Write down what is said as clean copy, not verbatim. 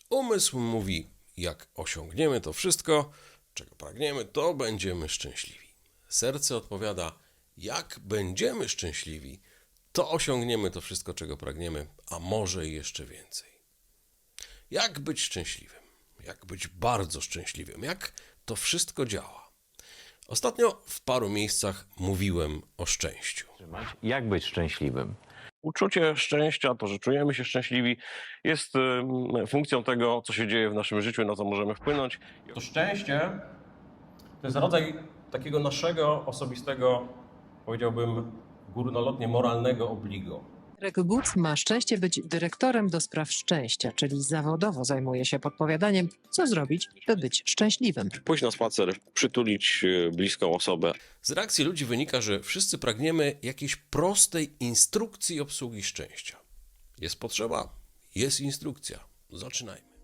Umysł mówi, jak osiągniemy to wszystko, czego pragniemy, to będziemy szczęśliwi. Serce odpowiada, jak będziemy szczęśliwi, to osiągniemy to wszystko, czego pragniemy, a może i jeszcze więcej. Jak być szczęśliwym? Jak być bardzo szczęśliwym? Jak to wszystko działa? Ostatnio w paru miejscach mówiłem o szczęściu. Jak być szczęśliwym? Uczucie szczęścia, to, że czujemy się szczęśliwi, jest funkcją tego, co się dzieje w naszym życiu, na co możemy wpłynąć. To szczęście to jest rodzaj takiego naszego osobistego, powiedziałbym górnolotnie moralnego obligo. Derek Good ma szczęście być dyrektorem do spraw szczęścia, czyli zawodowo zajmuje się podpowiadaniem, co zrobić, by być szczęśliwym. Pójść na spacer, przytulić bliską osobę. Z reakcji ludzi wynika, że wszyscy pragniemy jakiejś prostej instrukcji obsługi szczęścia. Jest potrzeba, jest instrukcja. Zaczynajmy.